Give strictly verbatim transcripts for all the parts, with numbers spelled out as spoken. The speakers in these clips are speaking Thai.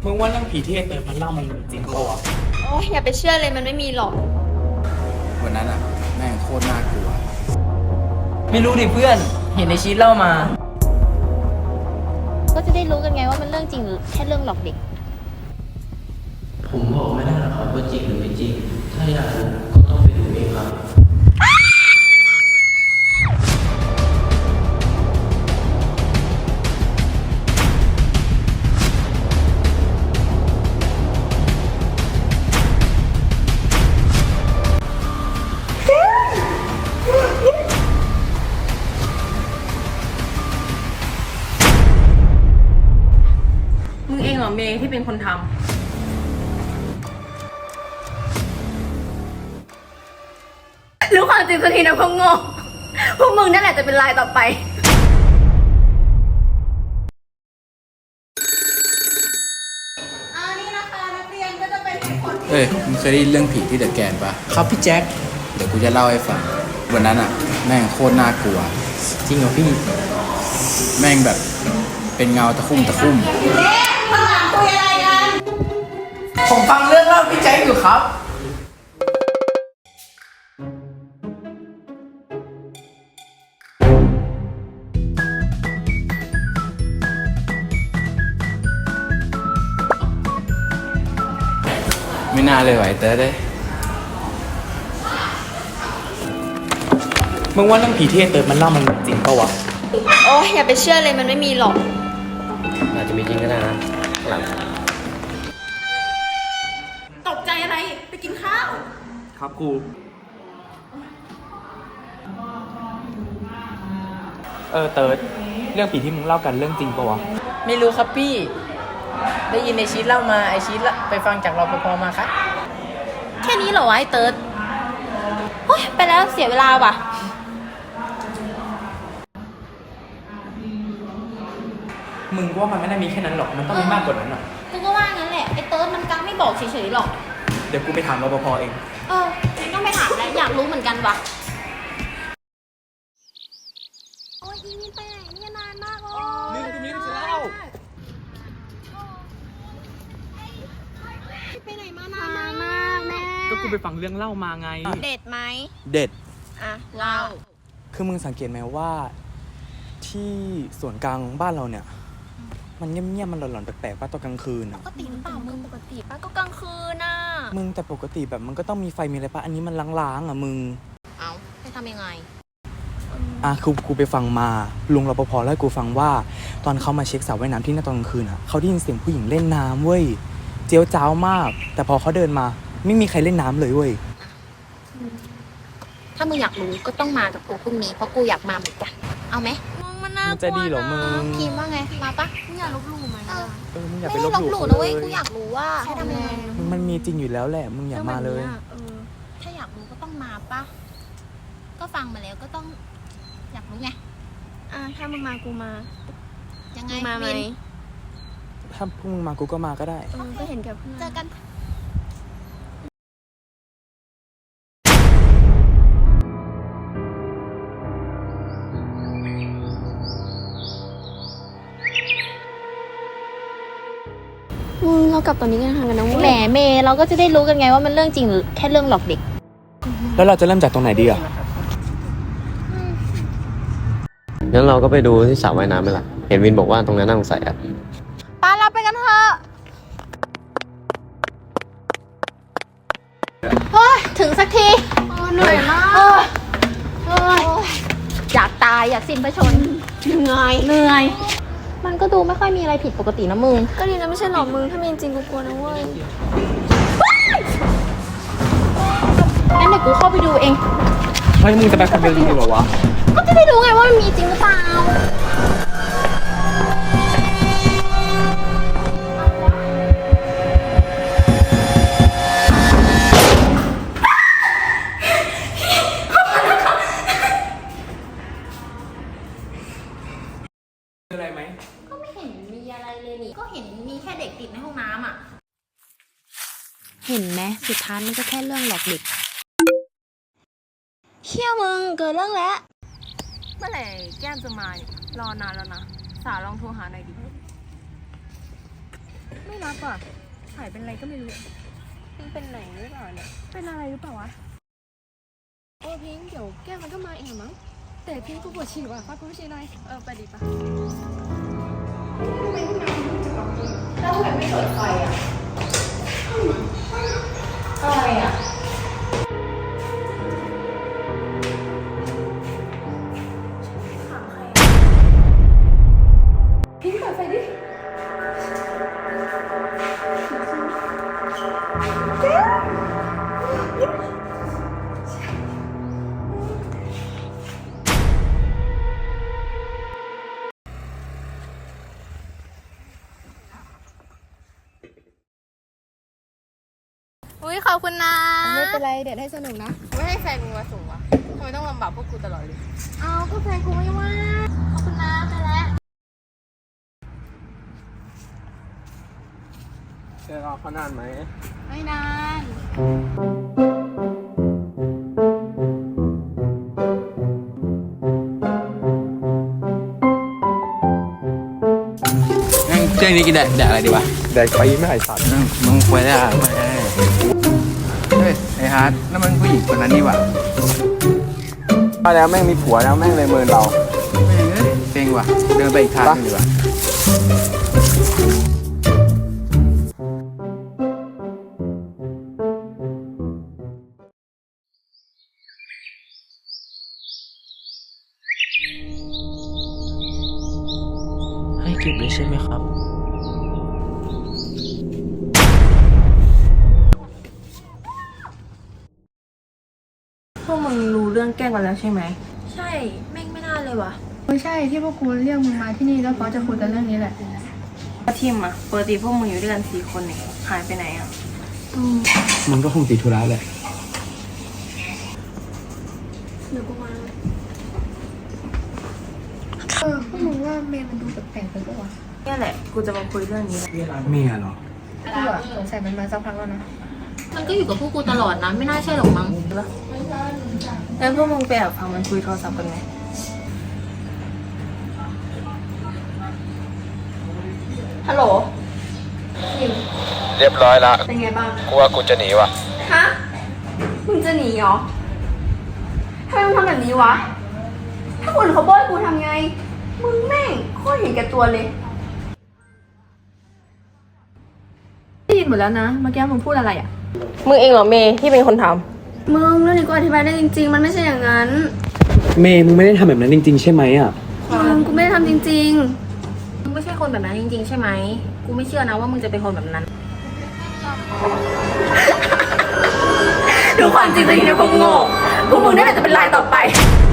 มึงว่าเรื่องผีที่ไอ้เติร์ดมันเล่ามันจริงปะวะโอ้ยอย่าไปเชื่อเลยมันไม่มีหรอกวันนั้นอ่ะแม่งโคตรน่ากลัวไม่รู้ดิเพื่อนเห็นในชีตเล่ามาก็จะได้รู้กันไงว่ามันเรื่องจริงหรือแค่เรื่องหลอกเด็กผมบอกไม่ได้หรอกครับว่าจริงหรือไม่จริงถ้าอยากรู้ก็ต้องไปดูเองครับมึงเองเหรอเมย์ที่เป็นคนทำรู้ความจริงสักทีนะพวกโง่พวกมึงนั่นแหละจะเป็นลายต่อไปอันนี้นะคะนักเรียนก็จะเป็นเหตุผลเอ้ยมึงเคยได้ยินเรื่องผีที่เดอะแกนปะครับพี่แจ็คเดี๋ยวกูจะเล่าให้ฟังวันนั้นอ่ะแม่งโคตรน่ากลัวจริงเหรอพี่แม่งแบบเป็นเงาตะคุ่มตะคุ่มข้างหลังคุยอะไรกันผมฟังเรื่องเล่าพี่แจ็คอยู่ครับไม่น่าเลยไหวเตอร์ได้มึงว่าเรื่องผีที่ไอ้เติร์ดมันเล่ามันจริงปะวะโอ้ยอย่าไปเชื่อเลยมันไม่มีหรอกอาจจะมีจริงก็ได้นะหลังตกใจอะไรไปกินข้าวครับกูเออเติร์ดเรื่องผีที่มึงเล่ากันเรื่องจริงปะวะไม่รู้ครับพี่ได้ยินในชีตเล่ามาไอชีตละไปฟังจากรปภมาครับแค่นี้เหรอวะไอ้เติร์ดโอ้ยไปแล้วเสียเวลาว่ะมึงว่ามันไม่ได้มีแค่นั้นหรอกมันต้องมีมากกว่านั้นอ่ะกูก็ว่างั้นแหละไอ้เติร์ดมันกังไม่บอกเฉยๆหรอกเดี๋ยวกูไปถามรปภเองเออต้องไปถามแล้วอยากรู้เหมือนกันว่ะโอ้ยอีนี่ไปไหนเนี่ยนานมากเลยมึงกูมีเรื่องจะเล่าไปไหนมานานมากแม่ก็กูไปฟังเรื่องเล่ามาไงเด็ดไหมเด็ดอ่ะเล่าคือมึงสังเกตไหมว่าที่ส่วนกลางบ้านเราเนี่ยมันเงียบๆมันหลอนๆแปลกๆป่ะตอนกลางคืนอ่ะปกติหรือเปล่ามึงปกติป่ะก็กลางคืนน่ะมึงแต่ปกติแบบมันก็ต้องมีไฟมีอะไรป่ะอันนี้มันล้างๆอ่ะมึงเอาให้ทำยังไงอ่ะคือกูไปฟังมาลุงรปภเล่าให้กูฟังว่าตอนเขามาเช็คสระว่ายน้ำที่หน้าตอนกลางคืนอ่ะเขาได้ยินเสียงผู้หญิงเล่นน้ำเว้ยเจียวจ้าวมากแต่พอเขาเดินมาไม่มีใครเล่นน้ำเลยเว้ยถ้ามึงอยากรู้ก็ต้องมากับกูพรุ่งนี้เพราะกูอยากมาเหมือนกันเอาไหมมึงมันน่ากลัวจะดีเหรอมึงพิมพ์ว่าไงมาปะมึงอยากลบหลู่ไหมเออมึงอย่าไม่ไปลบหลู่นะเว้ยกูอยากรู้ว่าให้ทำยังไงมันมีจริงอยู่แล้วแหละมึงอย่ามาเลยถ้าอยากรู้ก็ต้องมาปะก็ฟังมาแล้วก็ต้องอยากรู้ไงอ่าถ้ามึงมากูมายังไงมาไหมถ้าพวกมึงมากูก็มาก็ได้ก็เห็นกับเพื่อนเจอกันมึงเรากลับตอนนี้กันทางกันนะแหมเมย์เราก็จะได้รู้กันไงว่ามันเรื่องจริงหรือแค่เรื่องหลอกเด็กแล้วเราจะเริ่มจากตรงไหนดีอ่ะงั้นเราก็ไปดูที่สระว่ายน้ำไหมล่ะเห็นวินบอกว่าตรงนั้นน่าสงสัยอ่ะป้าเราไปกันเถอะเฮ้ยถึงสักทีเหนื่อยมากอยากตายอยากสิ้นพระชนเหนื่อยเหนื่อยมันก็ดูไม่ค่อยมีอะไรผิดปกตินะมึงก็ดีนะไม่ใช่หรอกมึงถ้ามีจริงกูกลัวนะเว้ยงั้นเดี๋ยวกูเข้าไปดูเองเฮ้ยมึงจะไปคนเดียวจริงเหรอวะก็จะได้รู้ไงว่ามันมีจริงหรือเปล่าอะไรไหมก็ไม่เห็นมีอะไรเลยนี่ก็เห็นมีแค่เด็กติดในห้องน้ำอ่ะเห็นไหมสุดท้ายมันก็แค่เรื่องหลอกเด็กเชี่ยมึงเกิดเรื่องแล้วเมื่อไหร่แก้มจะมาเนี่ยรอนานแล้วนะสาลองโทรหาหน่อยดิไม่รับอ่ะหายเป็นอะไรก็ไม่รู้มันเป็นไหนหรือเปล่าเนี่ยเป็นอะไรหรือเปล่าวะโอ้พิงค์เดี๋ยวแก้วมันก็มาเองมั้งแต่พิงค์กูปวดฉี่ว่ะฟังกูไม่ฉี่หน่อยเออไปดิปะแล้วทำไมไม่เปิดไฟอ่ะอะไรอ่ะพิงค์เปิดไฟดิอุ้ยขอบคุณนะไม่เป็นไรเดี๋ยวให้สนุกนะไม่ให้แฟนมึงมาส่งวะทำไมต้องลำบากพวกกูตลอดเลยเอาก็แฟนกูไม่ว่าขอบคุณนะไปแล้วเจอรอเขานานไหมไม่นานงั้นเที่ยงนี้กินแดกแดกอะไรดีวะแดกไปไม่หายสัตว์นั่งมึงควรได้ไม่ได้เฮ้ยไอ้ฮาร์ดนั่นมันผู้หญิงคนนั้นนี่หว่ามาแล้วแม่งมีผัวแล้วแม่งเลยเมินเราแม่งเอ้ยเซ็งว่ะเดินไปอีกทางหนึงดีกว่าให้เก็บเลยใช่ไหมครับพวกมึงรู้เรื่องแกล้งกันแล้วใช่ไหมใช่แม่งไม่น่าเลยว่ะไม่ใช่ที่พวกกูเรียกมึงมาที่นี่แล้วเพราะจะคุยกันเรื่องนี้แหละทีมอะปกติพวกมึงอยู่ด้วยกันสี่คนเนี่ยหายไปไหนอะมึงก็คงติดธุระแหละเดี๋ยวกูมาเออพวกมึงว่าเมย์มันดูแปลกๆไปปะวะเนี่ยแหละกูจะมาคุยเรื่องนี้แหละเมียเหรอกูอะสงสัยมันมาสักพักแล้วนะมันก็อยู่กับพวกกูตลอดนะ ไม่น่าใช่หรอกมั้งแล้วพวกมึงไปแอบฟังมันคุยโทรศัพท์กันไหมฮัลโหลเรียบร้อยละเป็นไงบ้างกูว่ากูจะหนีว่ะฮะ มึงจะหนีเหรอทำไมมึงทำแบบนี้วะ ถ้าคนเขาโบยกูทำไง มึงแม่งโคตรเห็นแก่ตัวเลยได้ยินหมดแล้วนะ เมื่อกี้มึงพูดอะไรอ่ะมึงเองเหรอเมย์ที่เป็นคนทมึงเรื่องนี้กูอธิบายได้จริงๆ มันไม่ใช่อย่างนั้นเมย์มึงไม่ได้ทำแบบนั้นจริงๆ ใช่ไหมอ่ะมึงกูไม่ได้ทำจริงมึงไม่ใช่คนแบบนั้นจริงๆ ใช่ไหม กูไม่เชื่อนะว่ามึงจะเป็นคนแบบนั้นๆดูความจริงตัวเองเนี่ยคงโง่พวกมึงนั่นแหละจะเป็นรายต่อไป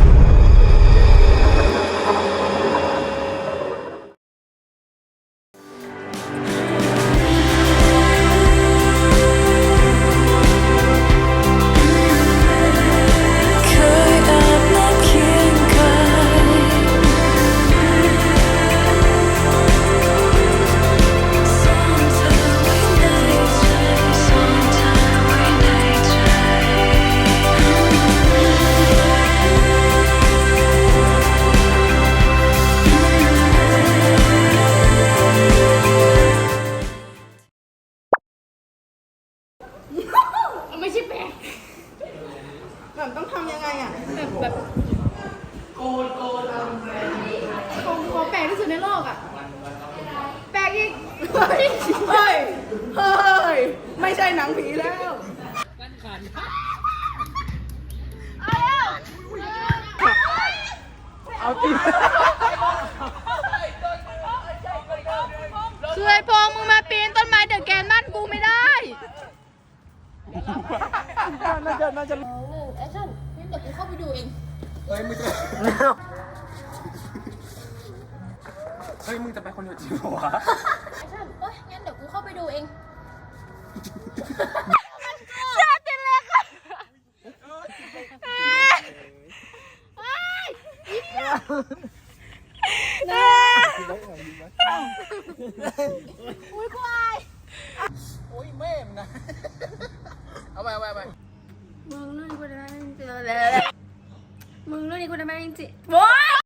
ไม่ใช่แปลกแบบต้องทำยังไงอ่ะ แบบแบบโกนโกนของของแปลกที่สุดในโลกอ่ะ แปลกอีกเฮ้ย เฮ้ย เฮ้ย ไม่ใช่หนังผีแล้วเอาตีคือไอ้พงมึงมาปีนต้นไม้เดอะแกนบ้านกูไม่ได้น่าจะน่าจะแอคชั่นงั้นเดี๋ยวกูเข้าไปดูเองเฮ้ยมึงจะเฮ้ยมึงจะไปคนเดียวจริงเหรอวะแอคชั่นเอ้ยงั้นเดี๋ยวกูเข้าไปดูเองอุ้ยกูอายโอ้ยแม่มนะ เอาไปเอาไปเอาไปมึงเรื่องนี้กูทำไมไม่จริงๆเลยมึงเรื่องนี้กูทำไมไม่จริงๆโว้ย